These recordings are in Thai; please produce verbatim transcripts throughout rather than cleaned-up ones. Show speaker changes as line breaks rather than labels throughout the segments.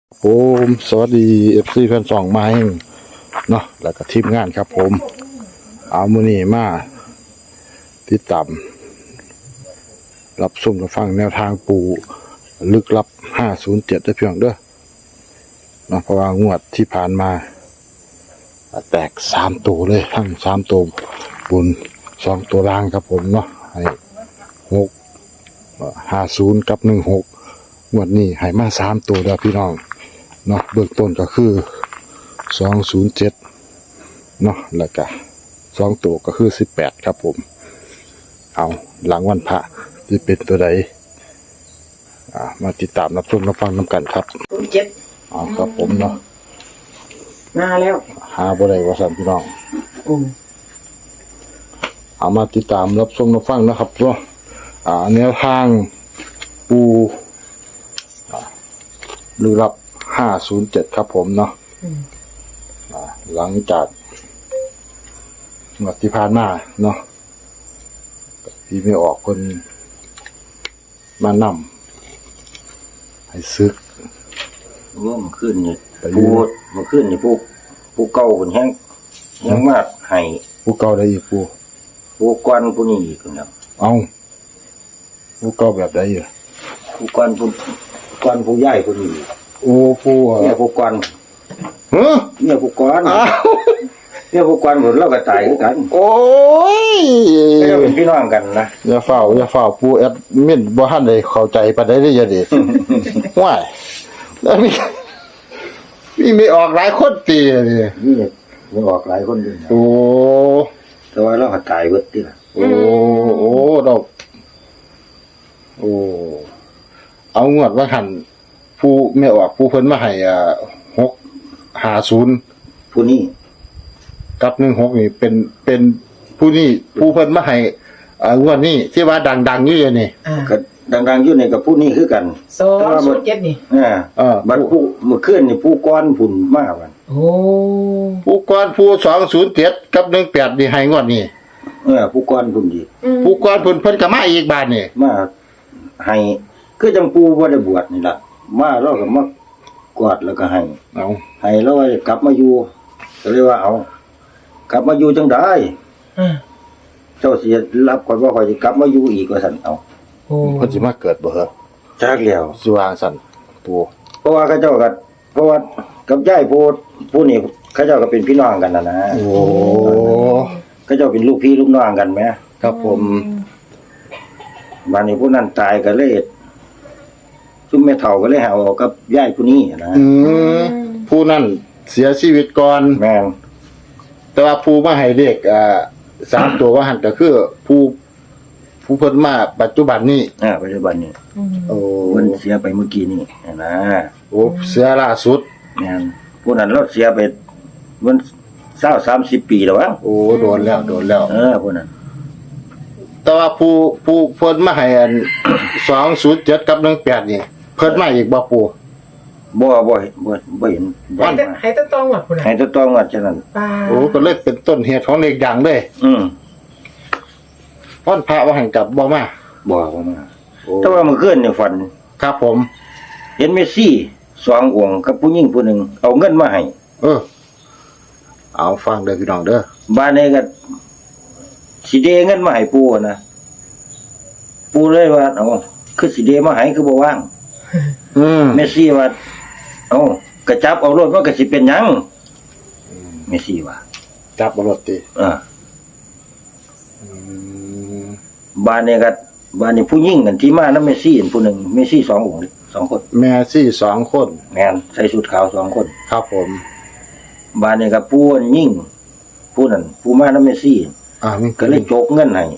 ผมสวัสดี เอฟ ซี แฟนสองมาให้เนาะแล้วก็ทีมงานครับผมเอามือนี้มาติดตามรับชมรับฟังแนวทางปูลึกลับห้าศูนย์เจ็ดได้เพียงเด้อเนาะเพราะว่างวดที่ผ่านมาแตกสามตัวเลยทั้งสามตัวบนสองตัวล่างครับผมเนาะให้หกห้าศูนย์กับหนึ่งหกงวดนี้ให้มาสามตัวเด้อพี่น้องเนาะเบื้องต้นก็คือสองศูนย์เจ็ดเนาะแล้วก็สองตัวก็คือสิบแปดครับผมเอาหลังวันพระที่เป็นตัวใดอ่ามาติดตามรับชมรับฟังน้ำกันครับ
ศูนย์เจ็ด
เอาครับผมเนาะ
มาแล้ว
หาบ่ได้ว่าสั่นพี่น้อง
อืม
เอามาติดตามรับชมรับฟังนะครับเนาะอ่าแนวทางปูอ่าลึกลับห้าศูนย์เจ็ดครับผมเนาะ
อืม
อ่าหลังจากงวดที่ผ่านมาเนาะที่ไม่ออกคนมานำให้ซึก
ว่ามันขึ้นนี่
ไปอยู่
พูดมันขึ้นนี่ผู้ผู้เก่าคนแห้งแห้งมากให้
ผู้เก่าได้อีกปู
ผู้ก้อนผู้นี้อีกแล้ว
เอาผู้เก่าแบบใดอยู่
ผู้ก้อนผู้ก้อนผู้ใหญ่ผู้นี้
โอ้ปูอ่ะ
เนี่ยผู้ก้อน
เฮ้อ
เนี่ยผู้ก้อน
อ้าว
เนี่ยผู้ก้อนหมดเราก็ตายคือกัน
โอ้ย
เราเป็นพี่น้องกันนะ
อย่าเฝ้าอย่าเฝ้าปูแอดมินบ่ทันได้เข้าใจปานใดเด้ออย่าเด้ ว้ายแล้วมีมีไม่ออกหลายคนตีนี่
นี่มันออกหลายคนด้วยนะ
โอ้
แต่ว่าเราก็ตายเบิดที่ละ
โอ้โอ้ดอกโอ้เอางวดว่าหันผู้ไม่ออกผู้เพิ่นมาให้อ่าหกห้าศูนย์
ผู้นี้
กับหนึ่งหกนี่เป็นเป็นผู้นี่ผู้เพิ่นมาให้อ่างวดนี้ที่ว่าดังๆอยู่เดี๋ยวนี่
อ่า
ก็ดังๆอยู่ในกับผู้นี้คือกัน
สองศูนย์เจ็ดนี่
อ่า
เออ
บัดผู้เมื่อคืนนี่ผู้ก้อนผุ่นมากมัน
โอ้
ผู้ก่อนผู้สองศูนย์เจ็ดกับหนึ่งแปดนี่ให้งวดนี้
เออผู้ก้อนผุ่นอีก
อืม
ผู้ก่อนเพิ่นเพิ่นก็มาอีกบาทนี่
มาให้คือจังปูบ่ได้บวชนี่ล่ะมาเราก็มากอดแล้วก็ให้
เอา
ให้เราว่ากลับมาอยู่ก็เลยว่าเอากลับมาอยู่จังได้
อ่า
เจ้าสิรับก่อนว่าข่อยสิกลับมาอยู่อีกว่าซั่นเอา
โอ้
เพิ่นสิมาเกิดบ่เหรอ
จักแล้ว
สิวางสั่นปู
เพราะว่าเขาเจ้าก็เพราะว่ากับยายผู้ผู้นี่เขาเจ้าก็เป็นพี่น้องกันน่ะนะ
โอ้
เขาเจ้าเป็นลูกพี่ลูกน้องกันแหม
ครับผม
บัดนี้ผู้นั้นตายก็เลยซุมแม่เฒ่าก็เลยหาเอากับยายผู้นี้นะ
อืมผู้นั่นเสียชีวิตก่อน
แม่น
แต่ว่าผู้มาให้เลขอ่าสามตัวว่าหันก็คือผู้ผู้เพิ่นมาปัจจุบันนี้
อ่าปัจจุบันนี้
อืม
โอ้
เพิ่นเสียไปเมื่อกี้นี่นะ
โอ้เสียล่าสุด
แม่นผู้นั้นเราเสียไปมันเศร้าสามสิบปีแล้ววะ
โอ้โดนแล้วโดนแล้ว
เออผู้นั้น
แต่ว่าผู้ผู้เพิ่นมาให้อัน สองศูนย์เจ็ดกับหนึ่งแปดนี่เพิ่นมาอีกบ่ปู่
บ่บ่เห็นบ่บ่เห็นบ่
ให้
เห็
แต่
นมา
ให้แต่ต้องหมดคุณ
ให้
น่ะ
ตัวต้องว่าฉะนั้น
ปลา
โอ้ก็เลยเป็นต้นเหตุของเลขดังเลย
อืม
วันพระว่าหันกลับบ่มา
บ่บ่มา
โอ้
แต่ว่าเมื่อคืนนี่ฝัน
ครับผม
เห็นเมสซี่สององค์กับผู้หญิงผู้หนึงเอาเงินมาให้
เออ เอาฟังเด้อพี่น้องเด้อ
บ้านนี้ก็สิเดเงินมาให้ปู่นะปู่เลยว่าเอ้าคือสิเดมาให้คือบ่ว่าง
อืม
เมสซี่ว่าเอ้ากระจับเอารถมันก็สิเป็นหยังเมสซี่ว่า
จับบ่รถติ
อ่า
อืม
บ้านนี้ก็บ้านนี้ผู้หญิงกันที่มานำเมสซี่ผู้หนึงเมสซี่สององค์นี่สองคน
แม่ซี่สองคน
แม่นใส่ชุดขาวสองคน
ครับผม
บ้านนี้ก็ผู้ยิ่งผู้นั้นผู้มานำเมสซี่
อ่ามี
ก็เลยโจกเงินให้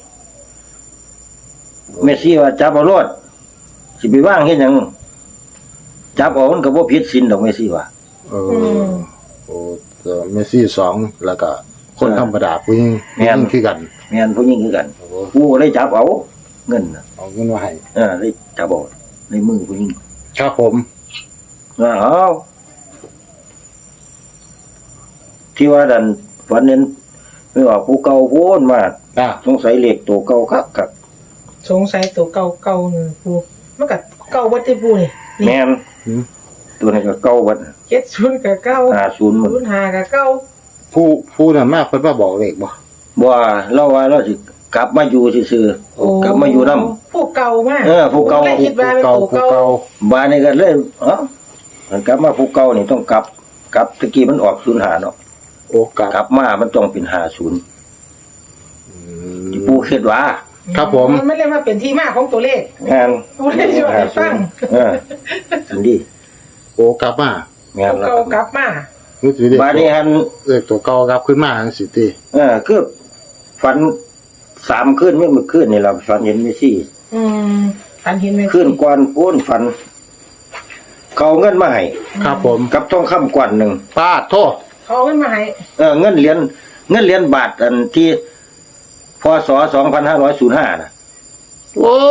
เมสซี่ว่าจับเอารถสิไปว่างเฮ็ดหยังจับเอามันก็บ่ผิดศีลดอกเมสซี่ว่า
เออโอ้เอ่อเมซี่สองแล้วก็คนธรรมดาผู้หญิง
แม่น
ผู้หญิงคือกัน
แม่นผู้หญิงคือกัน
โอ้
ผู้ก็เลยจับเอาเงินน่ะ
เอาเงินมาให้
เออเลยจับเอาในมือผู้หญิง
ครับผม
ว่าเอาที่ว่าดันฝันเน้นไม่ออกผู้เก่าโพ้นมา
อ่า
สงสัยเลขตัวเก่าคักคัก
สงสัยตัวเก่าเก่านี่ปูมันก็เก่าวัดที่ปูนี่นี่
แม่นตัวนี้ก็เก่าบัด
เจ็ดศูนย์กับเก้า
ห้าศูนย์มัน
ศูนย์ห้ากับเก้า
ผู้ผู้นั้นมากเพิ่นมาบอกเลขบ่
บ่ว่าเราว่าเราสิกลับมาอยู่ซื่อๆกลับมาอยู่นำ
ผู้เก่ามาก
เออผู้เก่า
ไม่คิดว่าเป็น
เก่า
ผู้
ผู้
เก่า
เก่า
บ้านนี้ก็เลยเอ้ามันกลับมาผู้เก่านี่ต้องกลับกลับตะกี้มันออกศูนย์ห้าเนาะ
โอกาส
กลับมามันต้องเป็นห้าศูนย์
อื
ที่
ม
ปู่คิดว่า
ครับผม
นไม่ได้มาเป็นที่มาของตัวเลข
งาน
ผู้ได้ช่วยให้ฟัง
เออสันดี
โอกลับมาง
าน
ผู้
แล้ว
เก่ากลับมา
นี่สิเด็ก
บ้านนี้หัน
เลขตัวเก่ากลับขึ้นมาจังซี่ติ
เออคือฝันสามคืนไม่มื้อคืนนี่ล่ะฝันเห็นเมซี่
อืมอันเห็นไหม
คืนก่อนปูนฝันเขาเอาเงินมาให้
ครับผม
กับทองคำกวนหนึ่ง
ปาดโทษ
เขาเอาเงินมาให้
เออเงินเหรียญเงินเหรียญบาทอันที่พศสองพันห้าร้อยศูนย์ห้าน่ะ
โอ้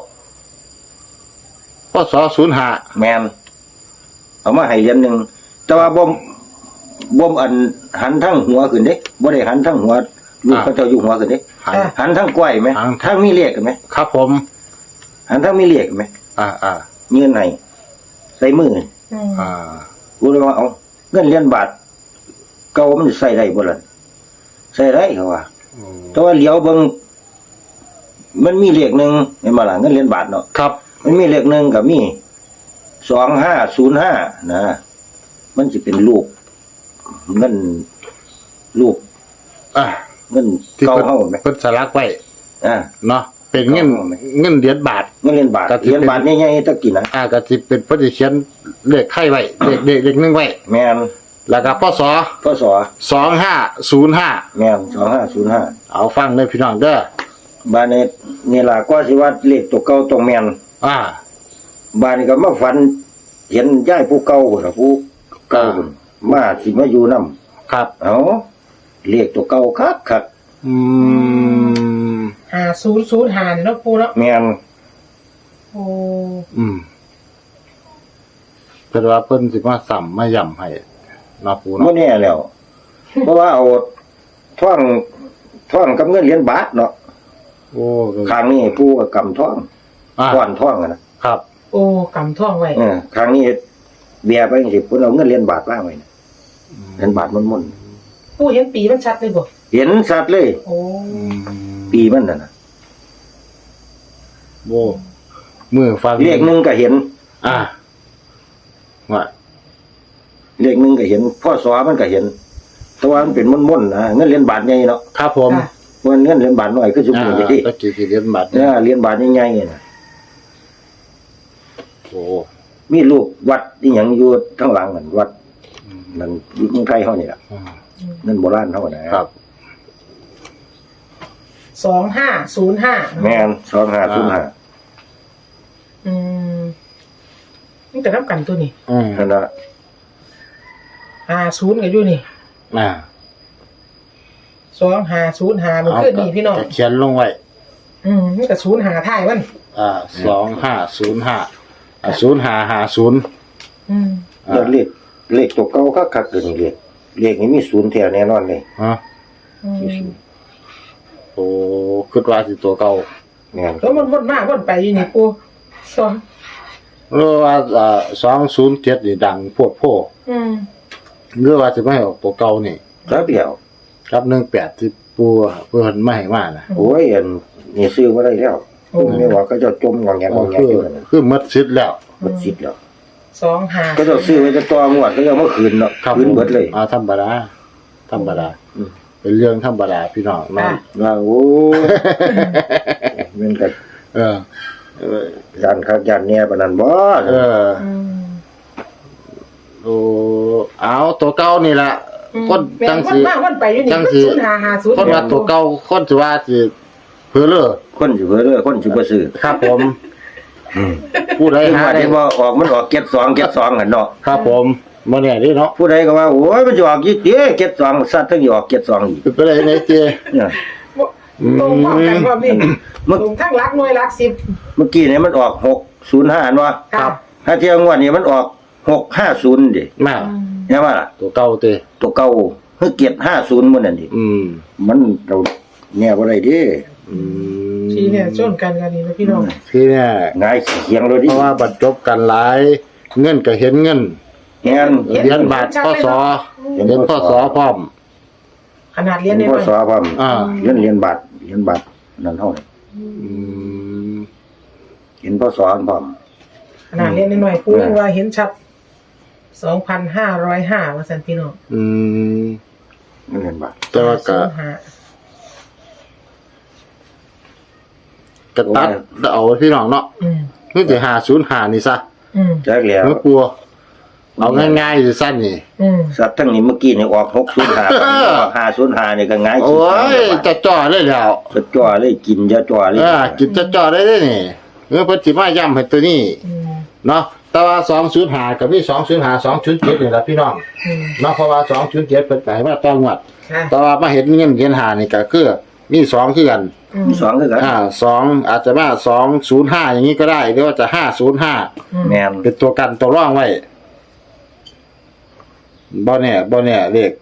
พศศูนย์ห้า
แมนเอามาให้เหรียญหนึ่งแต่ว่าบ่มบ่มอันหันทั้งหัวขึ้นเด้บ่ได้หันทั้งหัวลูกพระเจ้าอยู่หัวขึ้นเด้
หัน
หันทั้งก้อยไหม
หัน
ทั้งมีเลขกันไหม
ครับผม
หันทั้งมีเลขกันไหม
อ่าอ่า
เงินไหนใส่มือ
อืม
อ่า
กูเลยว่าเอาเงินเหรียญบาทเก่ามันใส่ได้บ่ล่ะใส่ได้เขาว่า
อืม
แต่ว่าเหลียวเบิ่งมันมีเลขหนึ่งเห็นบ่ล่ะเงินเหรียญบาทเนาะ
ครับ
มันมีเลขหนึ่งกับมีสองห้าศูนย์ห้านะมันจะเป็นรูปเงินรูป
อ่า
เงิน
ที่
เก่า
เพิ่น
เฮาไหม
เพิ่นสลักไว้
อ่า
เนาะเป็นเงิน
เอาไหม
เงินเหรียญบาท
เงินเหรียญบาท
ก็ที่
เหรียญบาท
เป็น
ใหญ่ๆตะกี้นะ
อ่าก็สิเป็นเพิ่นสิเขียนเลขไข่ไว้เลขเลขเลขหนึงไว้
แม่น
แล้วก็พศ
พศ
สองห้าศูนย์ห้า
แม่นสองห้าศูนย์ห้า
เอาฟังเลยพี่น้องเด้อ
บ้านนี้นี่ล่ะก็สิว่าเลขตัวเก่าตรงแม่น
อ่า
บ้านนี้ก็มาฝัน เห็นยายผู้เก่าพุ่นน่ะผู้เก่าพุ่นมาสิมาอยู่นำ
ครับ
เอาเลขตัวเก่าคัก
อืม
ห้าศูนย์ศูนย์หานเนาะปูเนาะ
ๆแม่น
โอ้
อืมเพิ่นว่าเพิ่นสิมาซ้ํมาย่ำให้เนาะปู
บ่
เนาะ
แน่แล้ว เพราะว่าเอาท่องท่องกับเงินเหรียญบาทเนาะ
โอ้
ครั้งนี้ผู้ก็กำท่อง
อ่า
ก้อนท่องอะนะครับ
โอ้กำท่องไว้
เออครั้งนี้เบียร์ไปจังซี่เพิ่นเอาเงินเหรียญบาทวางไว้นะเหรียญบาทมันๆ
ปูเห็นปีมันชัดเลยบ่
เห็นสัตว์เลย
โอ้
อืม
ปีมันน่ะนะ
โอ้มือฟัง
เลขหนึงก็เห็น
อ่าว่า
เลขหนึงก็เห็นพ่อสอมันก็เห็นแต่ว่ามันเป็นม่นๆนะเงินเหรียญบาทใหญ่เนาะ
ครับผม
ค่ะ
มันเงินเหรียญบาทน้อยคือสม
อ่า
มุติที่
ตะกี้ที่เหรียญบาท
เนี่ยเหรียญบาทใหญ่ๆน่ะ
โอ้
มีรูปวัดที่หยังอยู่ข้างหลังนั่นวัดนั่นอยู่เมืองไทยเฮานี่ล่ะ
อ่า
นั่นโบราณเฮานะครับ
สองห้าศูนย์ห้า
แม่นสองห้าศูนย์ห้า
อืมนี่แต่รับกันตัวนี้
อืม
นั่นน่ะ
ห้าศูนย์กันอยู่นี่
อ่า
สองห้าศูนย์ห้ามันขึ้นนี่พี่น้อง
ก็เขียนลงไว้
อืมนี่กับศูนย์หาท้ายมัน
อ่าสองห้าศูนย์ห้าอ่าศูนย์ห้าห้าศูนย์
อืม
แล้วเลขเลขตัวเก่าคักๆตัวนี้เลขเลขนี้มีศูนย์แท้แน่นอนเลย
ฮะ
อืม
มีศูนย์
โอ้คิดว่าสิตัวเก่า
แม่น
แล้วมันวนมาวนไปอยู่นี่ปูสอง
หรือว่าอ่าสองศูนย์เจ็ดนี่ดังพวกโพ
อืม
หรือว่าสิไม่ให้ออกตัวเก่านี่
ครับเดียว
ครับหนึ่งแปดที่ปูเพิ่นไม่ให้มานะ
โอ้ยอันนี่ซื้อบ่ได้แล้ว
โอ้
ไม่ว่าก็จะจมงองแงงองแง
คือ
อยู่นั่นน่ะ
คือหมดสิทธิ์แล้ว
หมดสิทธิ์แล้ว
สองหา
ก็จะซื้อไว้จะตัวงวดก็จะเมื่อคืนเนาะ
ครับ
คืนเบิดเลย
อ่าธรรมดาธรรมดา
อืม
เป็นเรื่องธรรมดาพี่น้องเนาะ
ว่าโอ้ยมันก็
เออเออ
ยันคักยันเนี่ยปานนั้นบ่
เออ
อืม
โอ้เอาตัวเก่านี่ล่ะคน
แม่
จัง
นว
สิ
นมาวนไปอยู่นี่
จังสิ
ศูนย์หาหาศูนย์
คนว่าตัวเก่าคนสิว่าสิเพื่อเลิก
คนสิเบิ่เด้อคนสิบ่ซื้อ
ครับผมผู้ใด
คือ
หา
ว่า
ได้
ที่บ่ออกมันออกเก็ดสองเก็ดสองกันเนาะ
ครับผมบ่แน่เดิเนาะ
ผู้ใดก็ว่าโอ้ยมันจะออกยี่เด้เก็ดสองสัตว์ถึงสิออกเก็ดสองอีก
เป็นไปได้ไหนเจ
เนี่ย
ตรงพร้อมกันพร้อมนี่
เมื่อ
ตรงทั้งรักหน่วยรักสิบ
เมื่อกี้เนี่ยมันออกหกศูนย์ห้าอันว่า
ครับ
ถ้าเที่ยงวันนี้มันออกหกห้าศูนย์ดิ
มา
ใช่ป่ะล่ะ
ตัวเก่าเต
ตัวเก่าเฮ้ยเกียรติห้าศูนย์มันนั่นดิ
อืม
มันเราแน่บ่ได้ดิ
อืม
ทีเนี่ยชนกันกันนี่นะพี่น้อง
ที่เนี่ย
ง่ายเขียงเลย
เพ
ดิ
ราะว่าบรรจบกันหลายเงินก็เห็นเงิน
เงี้ย
เหรียญบาทพศเหรียญพศพร้อม
ขนาดเรียน
เรี
ได้
ยน
ไห
พ
ม
ศพร้อม
อ่า
เหรียญเหรียญบาทเหรียญบาทนั่นเท่านี้
อืม
เห็นพศพร้อม
ขนาดเรียนได้หน่อยๆครูยังว่าเห็นชัดสองพันห้าร้อยห้าว่าสันพี่น้อง
อืม
เหรียญบาท
แต่ว่าก็
ห้า
กระตัดเอาพี่น้องเนาะ
อืม
คือสิห้าศูนย์ห้านี่ซะ
อืม
จักแล้ว
เมื่อกลัว เอาง่ายๆสิสั้นนี่
อืม
สัตว์ทั้งนี้เมื่อกี้นี่ออกหกศูนย์ห้าออกห้าศูนย์ห้านี่ก็ง่าย
โอ้ยจะจ่อได้แล้ว
จะจ่อเลยกินจะจ่อเลย
เออกินจะจ่อได้เด้นี่เมื่อเพิ่นสิมาย้ำให้ตัวนี้
อืม
เนาะแต่ว่าสองศูนย์ห้าก็มีสองศูนย์ห้า สองศูนย์เจ็ดนี่ล่ะพี่น้อง
อืม
เนาะเพราะว่าสองศูนย์เจ็ดเพิ่นก็ให้มาต้องวัด
ค่ะ
แต่ว่ามาเห็นเงินเหรียญห้านี่ก็คือมีสองคือกัน
อืม
มีสองคือกัน
อ่าสองอาจจะมาสองศูนย์ห้าอย่างนี้ก็ได้หรือว่าจะห้าศูนย์ห้า
อืม
แม่น
เป็นตัวกันตัวร่องไว้บ่แน่บ่แน่เลข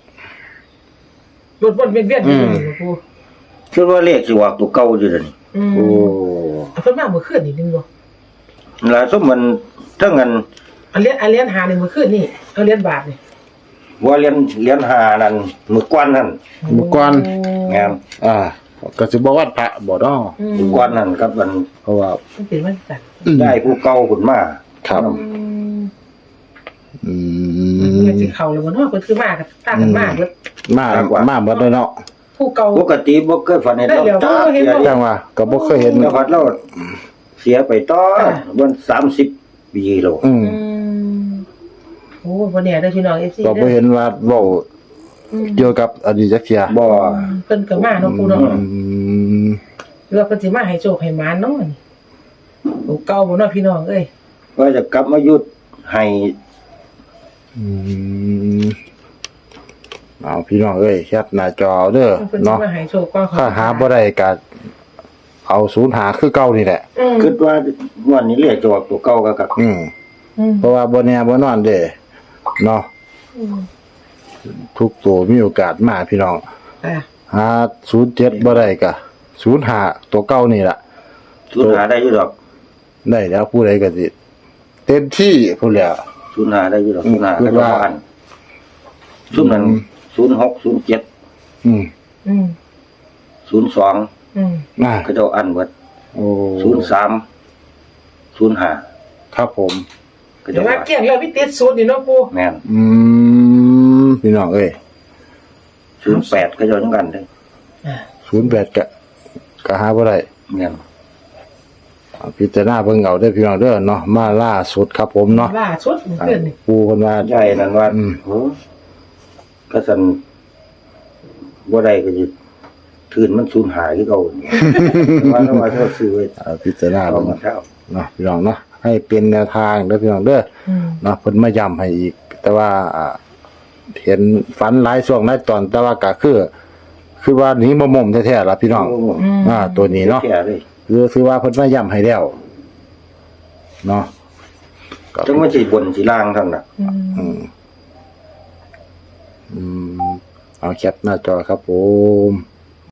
รถวนเวียนเวียนอยู่นี่ครู
คิดว่าเลขสิออกตัวเก่าอยู่เดี๋ยวนี้
อืม
โอ้
เอาเพิ่นมาเมื่อคืนนี่นึงบ่
แล้วสมมันทั้งนั้น
เอาเรียนเอาเรียนหานี่เมื่อคืนนี่เอาเรียนบาทนี่
ว่าเรียนเรียนหานั่นมื้อก่อนนั่น
เมื่อก่อน
แม่น
อ่าก็สิบ่วัดพระบ่เนาะ
อืม
มื้อก่อนนั่นกับมัน
เพราะว่า
มันเป็นวันจันทร์
ได้ผู้เก่าขึ้นมา
ครับ
อืม
อื
มัน
ม
สิเข้าเลยบ่เนาะเพิ่นคือมากับต่างกันมากเบิด
มามาหมดเลยเนาะ
ผู้เก่า
ปกติบ่เคยฝันเห็น
ได้
เรา
เดี๋ยว
จ้า
เห็นบ่
เสีย
จังว่าก็บ่เคยเห็น
แล้วพัดเราเสียไปต่อวันสามสิบปีแล้ว
อืม
อืมโอ้บ่แน่เด้อพี่น้อง เอฟ ซี
ก็บ่
เด้อ
เห็นว่าเว้า
อืม
เกี่ยวกับอดีตจักเที่ย
บ่
เพิ่นก็มาเนาะครูเนาะ
อืม
หรือว่าเพิ่นสิมาให้โชคให้หมานเนาะนี่ผู้เก่าบ่เนาะพี่น้องเอ้ย
ว่าจะกลับมายุดให้
อืมเอาพี่น้องเอ้ยแคปหน้าจอเด้อ
เพิ่นสิ
เนาะ
มาให้โชคก่อน
ถ้าหาบ่ได้ก็เอาศูนย์หาคือเก่านี่แหละ
อืม
คิดว่าวันนี้เลขจะออกตัวเก่าก็กับ
อืม
อืม
เพราะว่าบ่แน่บ่นอนเด้เนาะ
อืม
ทุกตัวมีโอกาสมาพี่น้อง
อ่ะ
หาศูนย์เจ็ดบ่ได้ก็ศูนย์ห้าตัวเก่านี่ล่ะ
ศูนย์หาได้อยู่ดอก
ได้แล้วผู้ใดก็สิเต็มที่พุ่นแล้ว
ศูนย์หาได้อยู่ดอก
อืม
ศูนย์หา
คิ
ก็
ด
จะ
ว่า
อ่านศูนย์นั้นศูนย์หกศูนย์เจ็ด
อืม
อืม
ศูนย์สอง
อืม
น่า
ก็จะอ่านเบิด
โอ้
ศูนย์สามศูนย์หา
ครับผม
ก็
เดี๋
จะ
ยวว่า
อ่าน
เกี่ยงแล้วพี่ติดศูนย์นี่เนาะปู่
แม่น
อืมพี่น้องเอ้ย
ศูนย์แปดก็จะเหมือนกันเลย
อ่ะ
ศูนย์แปดก็ก็หาบ่ได้
แม่น
เอาพิจารณาเบิ่งเอาเด้อพี่น้องเด้อเนาะมาล่าสุดครับผมเนาะ
ล่าสุดเมื่อคืนนี่
ปูเพิ่นว่า
ใหญ่นั่นว่า
อืม
โอ้ก็สันบ่ได้ก็จะทืนมันสูญหายที่เก่าว่าถ้าว่าถ้าซื้อไว้
เอาพิจารณา
เอา
เบิ่ง
มาเท่า
เนาะพี่น้องเนาะให้เป็นแนวทางเด้อพี่น้องเด้อ
อืม
เนาะเพิ่นมาย้ำให้อีก แต่ว่าอ่าเห็นฝันหลายช่วงหลายตอน แต่ว่าก็คือ คือว่าหนีบ่ม่มแท้ๆล่ะพี่น้อง
อืม
อ่า ตัวนี้เนาะ
แก่เลย
คือคือว่าเพิ่นมาย้ำให้แล้วเนาะก็
จังว่าสิบนสิล่างท่านน่ะ
อืม
อืมอืมเอาแคปหน้าจอครับผม